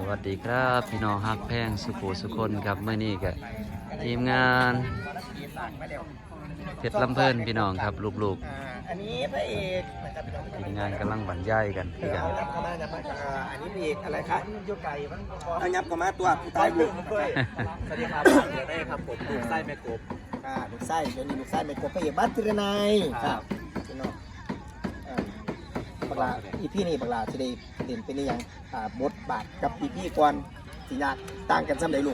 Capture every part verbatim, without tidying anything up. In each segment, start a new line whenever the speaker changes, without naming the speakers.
วัสดีครับพี่น้องฮักแพงสุขุสุคนครับเมื่อนี้กับทีมงานเพชรลำเพลินพี่น้องครับลูกๆ
อันนี้พระเอกนะครับ
ทีมงานกำลังบรรยายกันพี่กัน
ยับเข้ามายับมาอันนี้พระเอกอะไรครับยกไก่เอายับเข้ามาตัวตายบุก
สวัสดีครับเดี๋ยวได้ครับผมลูกไส้แม่กบ
อ่าลูกไส้เดี๋ยวนี้ลูกไส้ไม่กบพระเอกบ้านติรนัยครับพี่น้องบักลาอีพี่นี่บักลาจะได้เด่นเป็นยังอ่าบทบาทกับอีพี่ก่อนสิยากต่างกันซ้ำใดลูก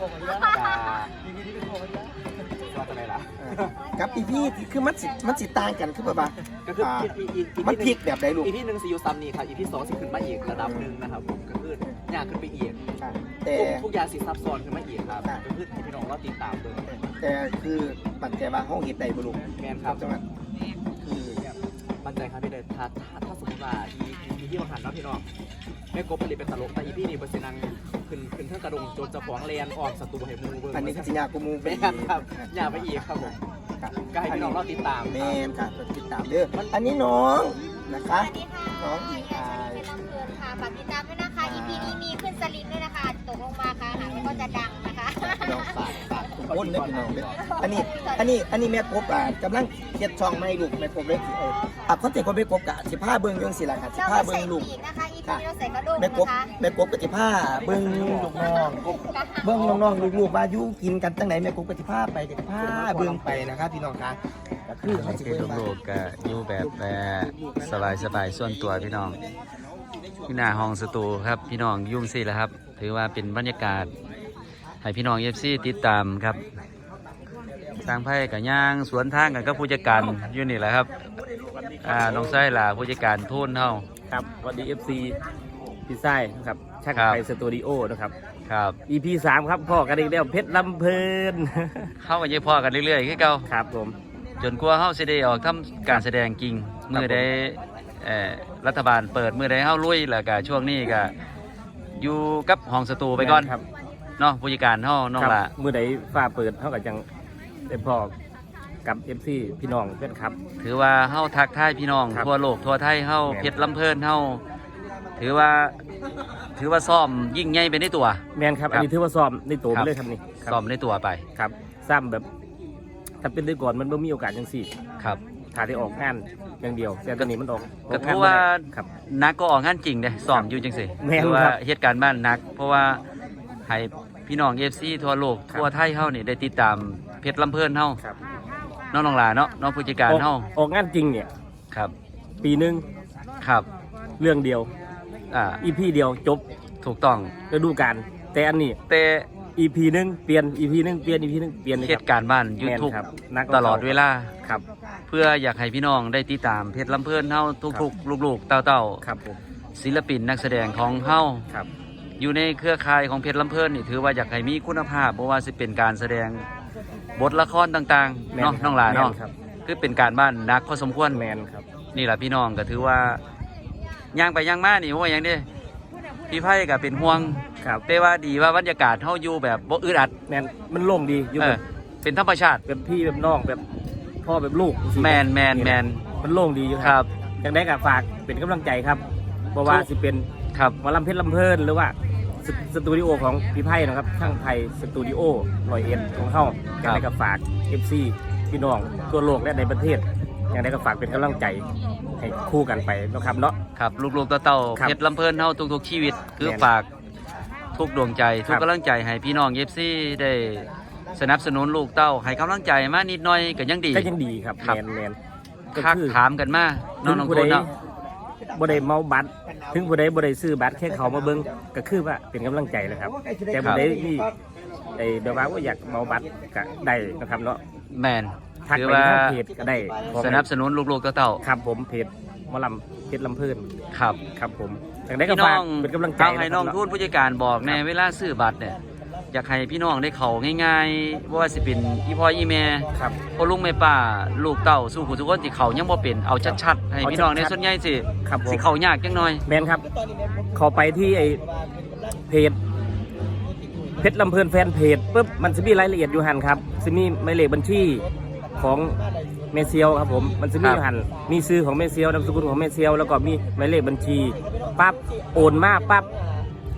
ว่าอะไรล่ะ
กับอีพี่คือมันสิมันสิต่างกันคือแบบว่า
ก็คือ
มันพลิกแบบใดลูก
อีพีหนึ่งซียูซัมนี่ครับอีพีสองสิขึ้นมาอีกระดับหนึ่งนะครับผมก็คืออยากขึ้นไปอีก
แต่
ทุกอย่างสิซับซ้อนขึ้นมาอีกครับก็คือพี่น้องเราติดตามเลย
แต่คือปัจจัยบางห้องเห็นใดบุรุษ
แมนครับ
จังหวัด
คือมั่นใจครับพี่เดชถ้าถ้าสมมติว่าอีอีที่เราหันแล้วพี่น้องแม่กบผลิตเป็นตลกแต่อีพีนี่เปอร์เซ็นต์นังขึ้นขึ้นเท่ากระดงโจนจะขวางเรียนออกศัตรูให้มูเบิ้ง
อันนี้คือสิยากูมู
แมนครับอยากไปอีกครับผมก็ให้พี่น้องเราติดตาม
แมนครับติดตามเด้ออันนี้น้องนะคะน้องอีอาย
ลำเพลินค่ะฝากติดตามด้วยนะคะ อี พี นี้มีขึ้นสลิงด้วยนะคะตกลงมาค่ะหางแล้วก็จะดังนะคะ
น้องฝากฝากทุกคนนะพี่น้องเด้ออันนี้อันนี้อันนี้แม่กบอ่ะกำลังเก็บช่องไม่ลูกแม่กบเล็กเอออ่ะเขาเจ็บกบแม่กบกะสิบห้าเบิ้งยังสิล่ะค่ะสิบห้าเบิ้งลูก
ค่ะ
แม่กบแม่กบกับสิบห้าเบิ้งลูกน้องเบิ้งน้องๆลูกๆมาอยู่กินกันตั้งไหนแม่กบกับสิบห้าไปกับสิบห้าเบิ้งไปนะครับพี่น้องค่ะก็คือเขาสิ
คือ
เบิ้ง
ลูกๆก็อยู่แบบสบายสบายส่วนตัวพี่น้องที่หน้าห้องสตูครับพี่น้องยุ่งสิแล้วครับถือว่าเป็นบรรยากาศให้พี่น้องเอฟซีติดตามครับทางไพ่กับย่างสวนทางกันก็ผู้จัดการอยู่นี่แหละครับอ่าน้องไส้ล่ะผู้จัดการทุนเท่า
ครับสวัสดี เอฟ ซี พี่ไส้ครับชักไปสตูดิโอนะครับ
ครับ
อี พี สามครับพ่อกันอีกแล้วเพชรลำเพลิน
เข้ากันยังพ่อกันเรื่อยๆคือเก่า
ครับผม
จนกลัวเฮาสิได้ออกทำการแสดงจริงเมื่อได้เอ่อรัฐบาลเปิดเมื่อได้เฮาลุยแล้วก็ช่วงนี้ก็อยู่กับห้องสตูไปก่อน
ครับ
เนาะผู้จัดการเฮาน้องล่ะ
เมื่อใดฟ้าเปิดเท่ากับจังได้พ่อกับ เอฟ ซี พี่น้องเพื่อนครับ
ถือว่าเฮาทักทายพี่น้องทั่วโลกทั่วไทยเฮาเพชรลำเพลินเฮาถือว่าถือว่าซ้อมยิ่งใหญ่ไปในตัว
แมนครับอันนี้ถือว่าซ้อมในตัวไปเลยครับนี่
ซ้อมในตัวไป
ครับซ้ำแบบถ้าเป็นได้ก่อนมันไม่มีโอกาสยังสี่
ครับ
ถ้าได้ออกงานอย่างเดียวแต่ตอนนี้มันออก
ก็ถือว่านักก็ออกงานจริงเด้ซ้อมอยู่จังซี่ถือว่าเหตุการณ์บ้านนักเพราะว่าให้พี่น้อง เอฟ ซี ทั่วโลกทั่วไทยเฮานี่ได้ติดตามเพชรลำเพลินเฮาน้องน้องหลาเนาะน้องผู้จัดการเฮา
ออกงานจริงเนี่ย
ครับ
ปีหนึ่ง
ครับ
เรื่องเดียว
อ่า
อี พี เดียวจบ
ถูกต้อง
ฤดูกาลแต่อันนี้
แต่
อี พี นึงเปลี่ยน อี พี นึงเปลี่ยน อี พี นึงเปลี่ยน
เหตุการณ์บ้านยูทูบตลอดเวลา
ครับ
เพื่ออยากให้พี่น้องได้ติดตามเพชรลำเพลินเฮาทุกๆลูกๆเต้าๆ
ครับผม
ศิลปินนักแสดงของเฮา
ครับ
อยู่ในเครือข่ายของเพชรลำเพลินนี่ถือว่าอยากให้มีคุณภาพเพราะว่าสิเป็นการแสดงบทละครต่างๆเนาะน้องหลานเนาะคือเป็นการบ้านนักพอสมควร
แมนครับ
นี่แหละพี่น้องก็ถือว่าย่างไปย่างมานี่ว่าอย่างนี้พี่ไพ่ก็เป็นห่วงแต่ว่าดีว่าบรรยากาศเฮาอยู่แบบบ่อึดอัด
แมนมันโล่งดีอยู่แบบ
เป็นธรรมชาติ
แบบพี่แบบน้องแบบพ่อแบบลูก
แมนแมนแมน
มันโล่งดีอยู่
ครับ
อย่างได้กับฝากเป็นกำลังใจครับเพราะว่าสิเป็น
ครับ
หมอลำเพชรลำเพลินหรือว่าสตูดิโอของพี่ไพ่นะครับช่างไทยสตูดิโอลอยเอ็นของเขาอย่างได้กับฝาก เอฟ ซี พี่น้องทั่วโลกและในประเทศอย่างได้กับฝากเป็นกำลังใจให้คู่กันไปนะครับเนาะ
ครับลูกๆเต้าๆเพชรลำเพลินเฮาทุกๆชีวิตคือฝากทุกดวงใจทุกกำลังใจให้พี่น้อง เอฟ ซี ได้สนับสนุนลูกเต้าให้กำลังใจมานิดหน่อยก็ยังดี
ก็ยังดีครับแมนแมน
ทักถามกันมาน้องๆคนเนาะ
บ่ได้เมาบัตรถึงผู้ใดบ่ได้ซื้อบัตรแค่เขามาเบิ่งก็คือว่าเป็นกำลังใจเลยครับแต่ผู้ใดที่ไอ้แบบว่าอยากเมาบัตรก็ได้นะครับเนาะ
แมน
ถือว่าเพจก็ได้
สนับสนุนลูกๆเต้า
ๆครับผมเพจหมอลำเพชรลำเพลิน
ครับ
ครับผมอย่างได้ก็ฝากเป็นกำลังใจ
ให้น้องทูตผู้จัดการบอกในเวลาซื้อบัตรเนี่ยอยากให้พี่น้องได้เขาง่ายๆว่าสิเป็นอีพ่ออีแม่พ่อลุงแม่ป้าลูกเต้าสู้ผู้ทุกคนที่เขายังบ่เป็นเอาชัดๆให้พี่น้องในส่วนใหญ่สิสิเขายากจังหน่อย
แมนครับเขาไปที่ไอเพจเพชรลำเพลินแฟนเพจปุ๊บมันจะมีรายละเอียดอยู่หันครับจะมีหมายเลขบัญชีของเมเซียวครับผมมันจะมีหันมีซื้อของเมเซียวนามสกุลของเมเซียวแล้วก็มีหมายเลขบัญชีปั๊บโอนมาปั๊บ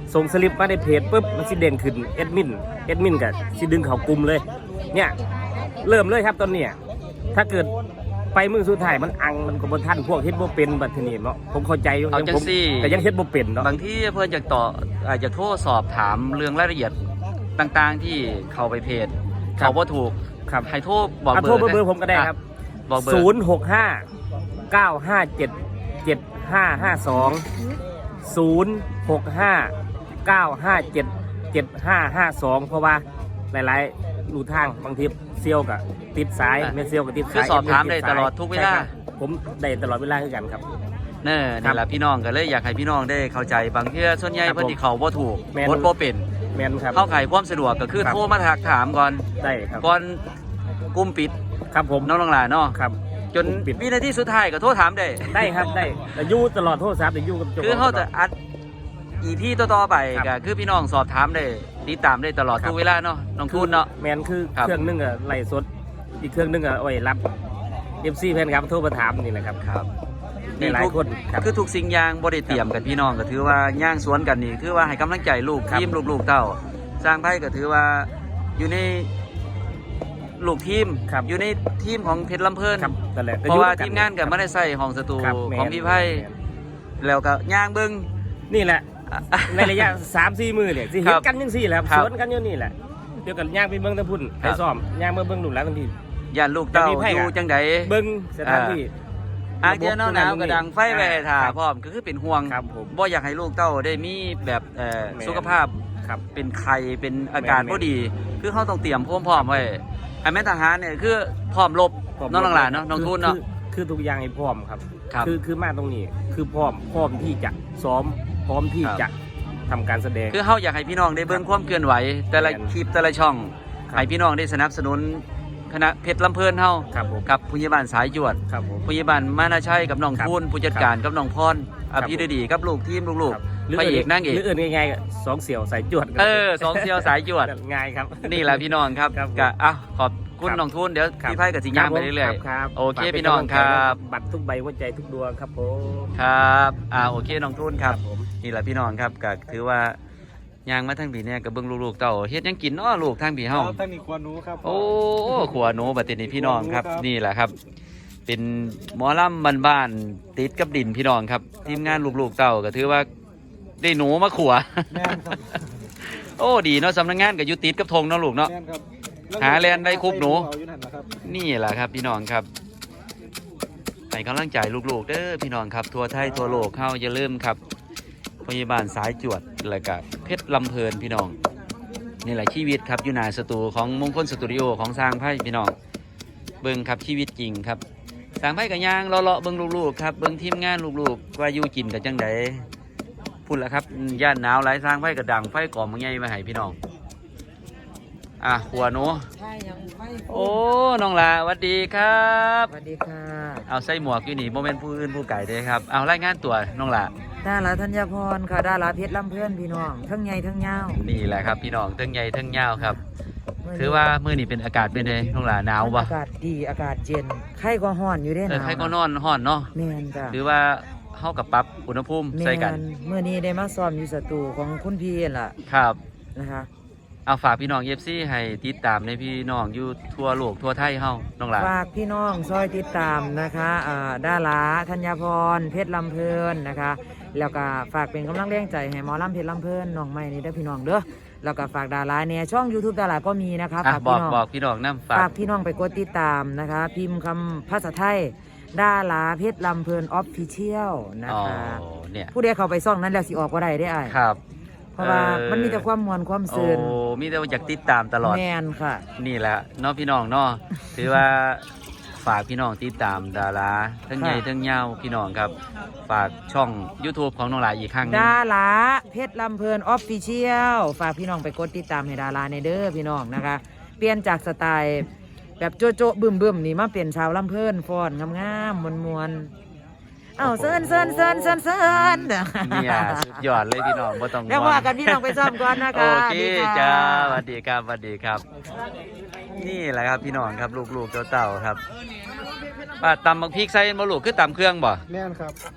ส่งสลิปมาในเพจปุ๊บมันสิเด่นขึ้นแอดมินแอดมินก็สิดึงเข้ากลุ่มเลยเนี่ยเริ่มเลยครับตอนเนี้ยถ้าเกิดไปมือสุดท้ายมันอังมันก็บ่ทันพวกเฮ็ดบ่เป็นบัดทีนี้เนาะผมเข้าใจอยู่
เอาจัง
ผม
ซี่
แต่ยังเฮ็ดบ่เป็นเนาะ
บางที่เพื่อนอยากต่ออาจจะโทรสอบถามเรื่องรายละเอียดต่างๆที่เข้าไปเพจเขาว่าถูก
ครับ
ให้โทรบอก
อ่ะ
เบอ
โทร
ร์
เบอร์ผมก็ได้ครับ
บอกเบอร์
ศูนย์หกห้าเก้าห้าเจ็ดเจ็ดห้าห้าสอง ศูนย์หกห้าเก้าห้าเจ็ดเจ็ดห้าห้าสองเพราะว่าหลายๆรูทางบางทีเซียวกับติดสายไม่เซียวกับติด
คือ
สาย
สอบถามได้
ติสย
ตลอดทุกเวลา
ใช่ครับผมได้ตลอดเวลาคือกันครับ
เน่
ครั
นี่
บ
แหละพี่น้องก็เลยอยากให้พี่น้องได้เข้าใจบางเที่อส่วนใหญ่
ครับ
เพื่อนที่เขาว่าถูก
แม่น
โพสต์บ่เป็น
แมนครับ
เข้าไขความสะดวกก็คือ
ครับ
โทรมาถักถามก่อน
ได้ครับ
ก่อนกลุ่มปิด
ครับผม
น้องๆหลานเนาะ
ครับ
จน
กลุ่มปิด
วินาทีสุดท้ายก็โทรถามได้
ได้ครับได้แต่อยู่ตลอดโทรศัพท์แต่อยู่กับจ้
คือ
ข
เขา
งตล
จะ
ด
อัดอีพี่ต่อๆไป
ครั
ก็
บ
คือพี่น้องสอบถามได้ติดตามได้ตลอด
ครับ
ทุกเวลาเนาะน้องทุนเนาะ
แมนคือ
ครับ
เครื่องนึงอะไล่สดอีกเครื่องนึงอะโอ้ยรับเอฟซีแฟนครับโทรมาถามนี่แหละครับ
ครับ
มีหลายคนครับ
คือทุกสิ่งอย่างบริเตรียมกันพี่น้องก็ถือว่าย่างสวนกันนี่คือว่าให้กำลังใจลูก
ครับ
ทีมลูกๆเต้าสร้างไพ่ก็ถือว่าอยู่ในลูกทีม
ครับ
อยู่ในทีมของเพชรลำเพลิน
ครับนั่นแหละก็
เพราะว่า
อยู่
ทีมงานก็ไม่ได้ใส่ห้องสตู
ครับแมน
ของพี่ไพ่
แมน
แล้วก็ย่างเบิ้ง
นี่แหละ ในระยะ สามสี่มือเนี่ยสิเห็
คน รับ
กันยังสี่แหละครับ
ครับ
สวนกันอยู่นี่แหละเดี๋ยวกันย่างไปเบิ้งทั้งพุ่น
ครั
ไป
บ
ซ้อมย่างมาเบิ้งหลุมแล้วทันที
ย่านลูกเต้า
แต่พี่ไพ่
อยู่
ก็
จังใด
เบิ้งสถานที่
อาเจียนหนาวๆกระดังไฟไว้ให้ท่า
ครับ
พร้อมก็คือเป็นห่วง
ครับผม
บ่อยากให้ลูกเต้าได้มีแบบเอ่อ
แม่น
สุขภาพ
ครับ
เป็นไข้เป็นอาการ
แม่น
บ่ดี คือเขาต้องเตรียมพร้อมๆไว้ไอ้แม่ทหารเนี่ยคือพร้อมรบน้องหลานๆเนาะน้องทุนเนาะ
คือคือทุกอย่างให้พร้อมครับ
ครับ
คือคือมาตรงนี้คือพร้อมพร้อมที่จะซ้อมพร้อมที่
ครับ
จะทำการแสดง
คือเขาอยากให้พี่น้องได้เบิ่งความเคลื่อนไหว แต่ละ
แม่น
คลิปแต่ละช่อง
ครับ
ให้พี่น้องได้สนับสนุนคณะเพชรลำเพลินเฮา
ครับผม
กับผู้ใหญ่บ้านสายจวด
ครับผม
ผู้ใหญ่บ้านมานาชัยกับน้อง
ครับ
ทุนผู้จัดการกับน้องพร
ครั
อบ ภิรดีกับลูกทีมลูก
ครับ
ๆพระเอกนางเอก
หรืออื่นง่ายๆก็สองเสี่ยวสายจวด
เออสองเซียวสายจวด
ง่ายครับ
นี่แหละพี่น้องครับ
ครับผม
กะอ่ะขอบคุณ
ครับ
น้องทุนเดี๋ยว
ครับ
พี่ไพ่กับสิย่างไปเรื่อย
คบ
โอเค
ฝากป็
พี่น้อง
กำลัใจ
ครับ
บัตรทุกใบหัวใจทุกดวงครับผม
ๆครับอ่าโอเคน้องทุนครับ
ผม
นี่แหละพี่น้องครับก็ถือว่าย่างมาทั้งปีเนี่ยกับเบิ้งลูกๆเต่าเฮ็ดหยังกินเนาะลูกทั้งปีเฮา
ตั้งนี่ควรรู้ครับ
โอ้ขัวหนูบัดนี้พี่น้องครับ
ครับ
นี่แหละครับ เป็นหมอลำบ้านๆติดกับดินพี่น้องครับ ทีมงานลูกๆเต่าก็ถือว่าได้หนูมาขัว
แม่นครับ
โอ้ดีเนาะสำนักงานก็อยู่ติดกับธงเนาะลูกเนาะ
แม่นครับ
หาแลนได้คุบหนู
เอาอยู่นั่นนะครับ
นี่แหละครับพี่น้องครับให้กำลังใจลูกๆเด้อพี่น้องครับทั่วไทยทั่วโลกเข้าอย่าลืมครับพยาบาลสายจวดแล้วก็เพชรลำเพลินพี่น้องนี่แหละชีวิตครับอยู่หนาสตูของมงคลสตูดิโอของสร้างไพ่พี่น้องเบิ้งครับชีวิตจริงครับสร้างไพ่กับย่างเลาะๆเบิ้งลูกๆครับเบิ้งทีมงานลูกๆว่าอยู่กินกับจังไดพูดแล้วครับย่านหนาวไหลายสร้างไพ่กับดังไฟก่อมังไงมาให้พี่น้องอ่ะหัวหนู
ใช่ยังไม่
โอ้น้องลาสวัสดีครับ
สวัสดีค่ะ
เอาใส่หมวกอยู่นี่โมเมนต์ผู้อื่นผู้ไก่เด้ครับ เอารายงานตัวน้องละ
ดาราธัญพรค่ะดาราเพชรลำเพื่อนพี่น้องทั้งใหญ่ทั้งยาว
นี่แหละครับพี่น้องเทั้งใหญ่เทั้งยาวครับ ถือว่ามื้อนี้เป็นอากาศเป็นไงน้องละหนาวปะ
อากาศดีอากาศเย็นไข้ก็ห้อนอยู่ได้
เอ
ห
อ
นาว
ใครก็นอนห้อนเนาะ
แมนจ้ะ
หรือว่าเฮากับปรับอุณหภูมิ
แม
ใส่กัน
นเมื่อนี้ได้มาซ้อมอยู่สตูของคุณพี่ล่ะ
ครับ
นะคะ
เอาฝากพี่น้องเอฟซีให้ติดตามในพี่น้องอยู่ทั่วโลกทั่วไทยเฮาน้องละ
ฝากพี่น้องซอยติดตามนะคะอ่าดาราธัญพรเพชรลำเพลินนะคะ แล้วก็ฝากเป็นกำลังแรงใจให้หมอลำเพชรลำเพลินน้องใหม่นี่เด้อพี่น้องเด้อแล้วก็ฝากดาราเนี่ยช่อง YouTube ดาราก็มีนะคะ
อ่ะ
ฝาก
บอ
พี่
ก
น้อง
บอกพี่น้องนํฝา
ฝาก กพี่น้องไปกดติดตามนะคะ พิมพ์คำภาษาไทยดาราเพชรลำเพลินออฟฟิเชียลนะ
อ๋อ
คะ
เนี่ย
ผู้ใดเข้าไปซ่องนั้นแล้วสิออกก็ได้ได้อ้าย
ครับ
เพราะว่า
เออ
มันมีแต่ความมวลความ
โอ้
ซื่น
มีแต่ว่าอยากติดตามตลอด
แมนค่ะ
นี่แหละเนาะพี่น้องเนาะ ถือว่าฝากพี่น้องติดตามดาราทั้งใหญ่
ค่ะ
ทั้งยาวพี่น้องครับ ฝากช่อง YouTube ของน้องหลายอีกครั้งหนึง
ดาราเพชรลำเพลินออฟฟิเชียลฝากพี่น้องไปกดติดตามให้ดาราในเด้อพี่น้องนะคะ เปลี่ยนจากสไตล์แบบโจโจบึมบึมๆนี่มาเป็นชาวลำเพลินฟ้อนงามๆมวลมวลๆเอ้าเซินเซินเซินเซินเซิน
เนี่ยสุดยอดเลยพี่น้องบ่ต้อง
แล้วว่ากันพี่น้องไปซ้อมก่อนนะคะ
โอเค
ดีค่ะ
จ้าสวัสดีครับสวัสดีครับ นี่แหละครับพี่น้องครับลูกๆเต่าๆครับป้าตำบักพริกใส่บ่ลูกคือตำเครื่องบ่
แม่นครับ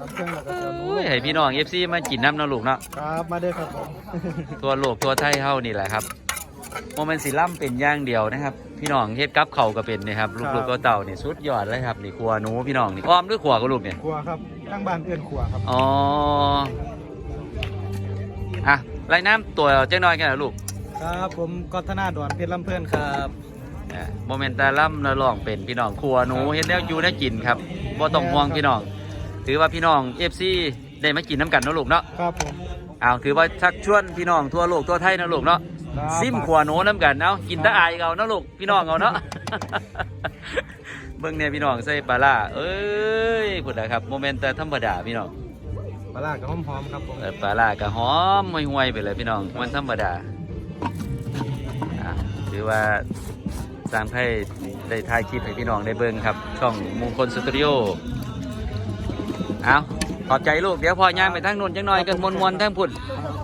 เครื่องแล้วก็เสือหนู
โอ้ยให้พี่น้อง เอฟ ซี มากินน้ำเนาะลูกเนาะ
ครับมาเด้อครับผม
ทั่วโลกทั่วไทยเฮานี่แหละครับโมเมนต์สิล่ำเป็นอย่างเดียวนะครับ พี่น้องเฮ็ดกับเขาวก็เป็นนะครับลูกๆก็เต่านี่สุดยอดเลยครับนี่ครัวหนูพี่น้องนี่อ้อมหรือขวก็ลูกเนี่ย
ครัวครับตั้งบ้านเอื้อนครัวครับ
อ๋ออ่ะไล่น้ำตัวเจ้าน้อยกันนะลูก
ครับผมกอธนาดอนเพชรลำเพื่อนครับ
โมเมนต์ตาล่ำนาลองเป็นพี่น้องครัวหนูเฮ็ดแล้วอยู่ได้กินครับบ่ต้องห่วงพี่น้องถือว่าพี่น้อง เอฟ ซี ได้มากินน้ำกันเนาะลูกเนาะ
ครับผม
เอาถือว่าชักชวนพี่น้องทั่วโลกทั่วไทยเนาะลูกเนาะ
ครับ
ซิมขัวหนูน้ำกันเอากินตะอายเอาเนาะลูกพี่น้องเอาเนาะ เบิ่งเนี่ยพี่น้องใส่ปลาร้าเอ้ยพูดนะครับโมเมนต์แต่ธรรมดาพี่น้อง
ปลาร้ากับหอมๆครับผม
เออปลาร้าก็หอมห่วยๆไปเลยพี่น้องมันธรรมดาอ่ะถือว่าสร้างให้ได้ถ่ายคลิปให้พี่น้องได้เบิ่งครับช่องมงคลสตูดิโอเอาขอบใจลูกเดี๋ยวพอย่างไปทางนู้นจังหน่อยกันมวนๆทางพุ่น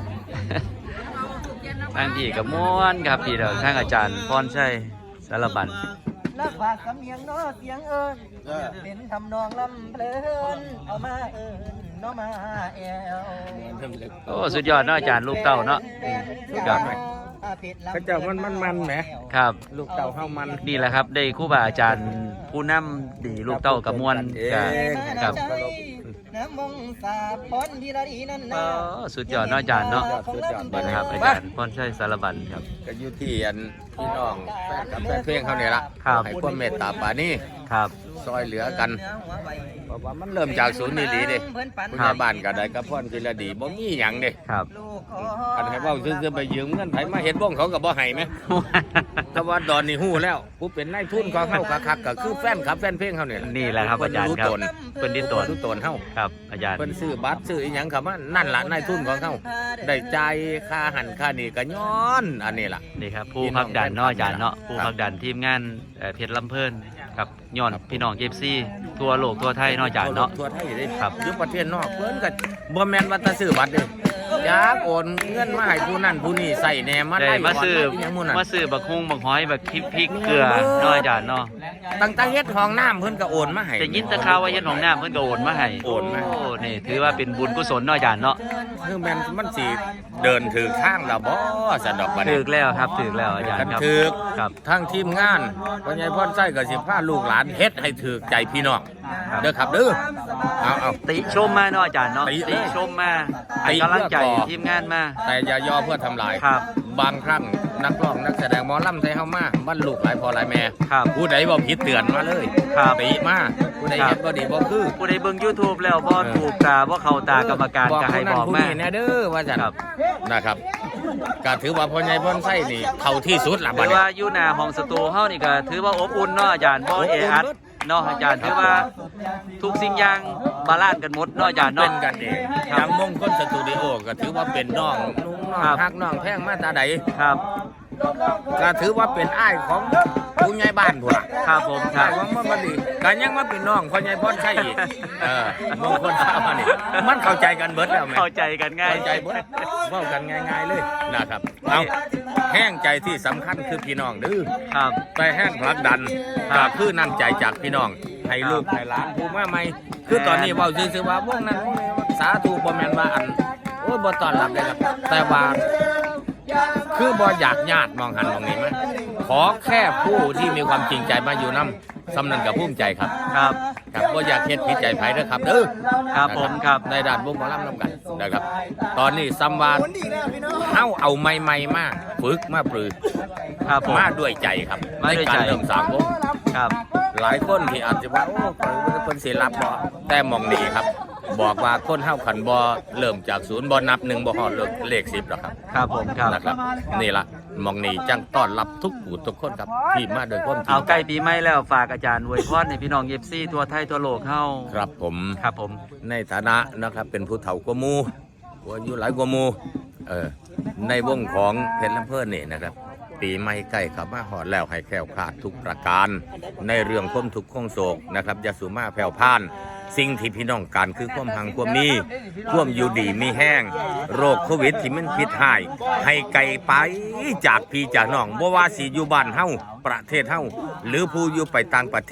ทางพี่กับม้วนครับพี่เดี๋ยวทางอาจารย์พรชัยสารบัญ
นักฝากสำเนียงน้อเสียงเอิญเป็นทำนองลำเพลินเอามาเอิญน้อมาแอว
โอ้สุดยอดเนาะอาจารย์ลูกเต้าเนาะสุดยอดไหม
เขาเจ้ามันมันมันแหม
ครับ
ลูกเต่าเฮามัน
นี่แหละครับได้ครูบาอาจารย์ผู้นำดีลูกเต้ากับมวลกับกับ
น้ำมงสาพรที่ระดีนั่น
อ๋
นะ
อสุดยอดเนาะอาจารย์เนาะ
สุดยอด
นี่นะครับอาจารย์พรชัยสารบัญครับ
ก็อยู่ที่อันพี่น้องแฟนกับแฟนเพลงเขาเนี่ยละ
ครับ
ให้ความเมตตาปรานี่
ครับ
ซอยเหลือกันเพราะว่ามันเริ่มจากศูนย์นี่ดีเด้ผู้ใหญ่บ้านก็ได้กับพ่อนกิรดีบ่มีหยังเด้
ครับ
กันให้เว้าซื่อๆไปยืมเงินไผมาเฮ็ดบ้องเขาก็บ่ให้แหมแต่ว่าดอนนี่ฮู้แล้วผู้เป็นนายทุนของเฮาคักๆก็คือแฟนคลับแฟนเพลงเขาเนี่ย
นี่แหละครับอาจารย์ครับเพิ่นดิตน
รู้ตนเฮา
ครับอาจารย์
เพิ่นซื้อบัตรซื้ออีหยังเข้ามานั่นล่ะนายทุนของเฮาได้จ่ายค่าหันค่านี่ก็ย้อนอันนี้ล่ะ
นี่ครับผู้พักดันเนาะอาจารย์เนาะผู้พักดันทีมงานเอ่อเพชรลำเพิ่นครับย้อนพี่น้องเอฟซีทั่วโลกทั่วไทยเนาะอาจารย์เนาะ
ทั่วไทยได้
ครับ
อยู่ประเทศนอกเพิ่นก็บ่แม่นว่าแตะซื้อบัตรเด้อยากโอนเงินมาให้ผู้นั้นผู้นี้ใส่แหน่มา
ได้
ได้
มาซื้อ
หยังหมู่นั้น
มาซื้อบักฮุงบักหอยบักพริกพริกเกลือเนาะอาจารย์เนาะ
ตั้งแต่เฮ็ดห้องน้ำเพิ่นก็โอนมาให้
แต่ยินแตะข่าวว่าเฮ็ดหนองน้ำเพิ่นก็โอนมาให้
โอนมา
โอ้นี่ถือว่าเป็นบุญกุศลเนาะอาจารย์เนาะ
คือแม่นมันสิเดินถือข้างแล้วบ่สะดอกบัด
ถึ
นี้
กแล้วครับถึกแล้วอาจารย์ครับ
ถึก
ครับ
ทั้งทีมงานพ่อใหญ่พ่อไส้ก็สิพาลูกหลานเฮ็ดให้ถูกใจพี่น้องเด้อครับเด้อเอาเอา
ติชมมาเนาะอาจารย์เนาะ
ติ
ติชมมาให้กำลังใจ
ติเพื่อก่อ
ทีมงานมา
แต่อย่าย่อเพื่อทำลาย
ครับ
บางครั้งนักร้องนักแสดงหมอลำไทยเฮามาบ้านลูกหลายพ่อหลายแม่
ครับ
ผู้ใดบ่ผิดเตือนมาเลย
ครับ
ติมาผู้ใด
ครับ
เฮ็ดบ่ดีบ่คือ
ผู้ใดเบิ่ง YouTube แล้วบ่ถูกตาบ่เข้าตากรรมการก็ให้บอก
ผู้
มา
นั้นผู้นี้แน่เด้อว่าจัน
ครับ
นะครับก็ถือว่าพ่อใหญ่พ่อไส้นี่เข้าที่สุดละบั
ถื
ด
อ
นี้
ว่าอยู่หน้าห้องสตูเฮานี่ก็ถือว่าอบอุ่นเนาะอาจารย์บ่เออัดเนาะอาจารย์ถือว่าทุกสิ่งอย่างบาลานซ์กันหมดเนาะอาจารย์
เป็
เนาะ
นกันเองอย่างมงคลสตูดิโอก็ถือว่าเป็นน้องนุ่งน้อง
ครับ
ฮักน้องแพงมาตาใด
ครับ
ก็ถือว่าเป็นอ้ายของผู้ใหญ่บ้านพุ่นล่ะ
ครับผมครั
อ้า
บ
ยของมันบ่ดีก็ยังมาเป็นน้องพ่อใหญ่พ่อใช่อีกเออมงคลข้าวมานี่มันเข้าใจกันเบิดแล้วแม่
เข้าใจกันง่าย
เข้าใจเบิดเว้ากันง่ายๆเลยนะครับเอาแห้งใจที่สำคัญคือพี่น้องเด้อ
ครับ
ไปแห้งผลักดัน
ครั
ก็
บ
คือน้ำใจจากพี่น้องให้ลูกให้หลานผู้มาใหม่คือตอนนี้เว้าซื่อๆว่าวงนั้นวงนี้สาธุบ่แม่นว่าอันโอ้ยบ่ต้อนรับได้ครับแต่ว่าคือบ่อยากญาติมองหันมองนี้มั้ยขอแค่ผู้ที่มีความจริงใจมาอยู่นำสำนันกับภูมิใจครับ
ครับ
ครับบ่อยากเฮ็ดผิดใจไผเด้อครับเด้อ
ครับผมครับ
ในด้านวงหมอลำนำกันนะครับ ตอนนี้ซัมวาเฮาเอาใหม่ๆมาฝึกมาปรือ
ครับผม
มาด้วยใจครับ
มาด้วยใจ
ในการเริ่มสร้างวง
ครับ
หลายคนที่อาจจะว่าโอ้ข่อยบ่ได้เพิ่นสิรับบ่แต่มองนี่ครับ บอกว่าคนเฮาขันบ่เริ่มจากศูนย์บ่นับหนึ่งบ่ฮอดเลขสิบหรอกครับ
ครับผมครับ
นะครับ นี่ล่ะมองนี่จังต้อนรับทุกผู้ทุกคนครับที่มาด้วยความจริ
เอา
ง
ใกล้ปีใหม่แล้วฝากอาจารย์อวยพรให้พี่น้องเอฟซีทั่วไทยทั่วโลกเฮา
ครับผม
ครับผม
ในฐานะนะครับเป็นผู้เฒ่ากว่าหมู่ผู้อายุหลายกว่าหมู่เออในวงของเพชรลำเพิ่นนี่นะครับ ปีใหม่ใกล้เข้ามาฮอดแล้วให้แคล้วคลาดทุกประการ ในเรื่องความทุกข์ความโศกนะครับอยาสุมาแผ่วพาน สิ่งที่พี่น้องการคือความหังความมีความอยู่ดีมีแห้ง โรคโควิดที่มันพิษหาย ให้ไกลไปจากพี่จากน้องบ่ว่าสิอยู่บ้านเฮาประเทศเฮาหรือผู้อยู่ไปต่างประเทศ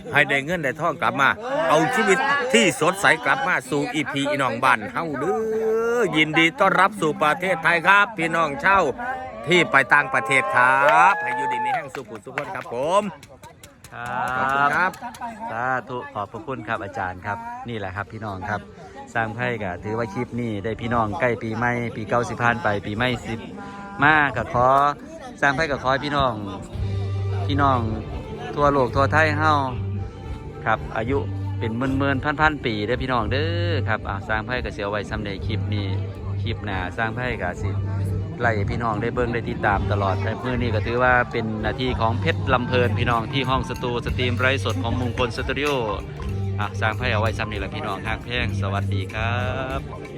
ให้ได้เงินได้ทองกลับมา เอาชีวิตที่สดใสกลับมาสู่อีพีอีน้องบ้านเฮาเด้อยินดีต้อนรับสู่ประเทศไทยครับ พี่น้องเช่าที่ไปต่างประเทศครับให้อยู่ดีมีแห่งสุขุสุขคนครับผม
ค
ขอบคุณ
รั
ครับ บ
สาธุขอบพระคุณครับอาจารย์ครับนี่แหละครับพี่น้องครับสร้างไพ่ก็ถือว่าคลิปนี้ได้พี่น้องใกล้ปีใหม่ปีเก้าสิบผ่านไปปีใหม่สิบมาก็ขอสร้างไพ่ก็ขอให้พี่น้องพี่น้องทั่วโลกทั่วไทยเฮาครับอายุเป็นหมื่นหมื่นพันพันปีเด้อพี่น้องเด้อครับอ่าสร้างไพ่ก็เสียไว้ซ้ำในคลิปนี้คลิปหน้าสร้างไพ่ก็สิไล่พี่น้องได้เบิ่งได้ติดตามตลอดแต่มื้อนี้ก็ถือว่าเป็นหน้าที่ของเพชรลำเพลินพี่น้องที่ห้องสตูสตรีมไร้สดของมงคลสตูดิโออ่ะสร้างไพ่เอาไว้ซ้ำนี่แหละพี่น้องฮักแพงสวัสดีครับ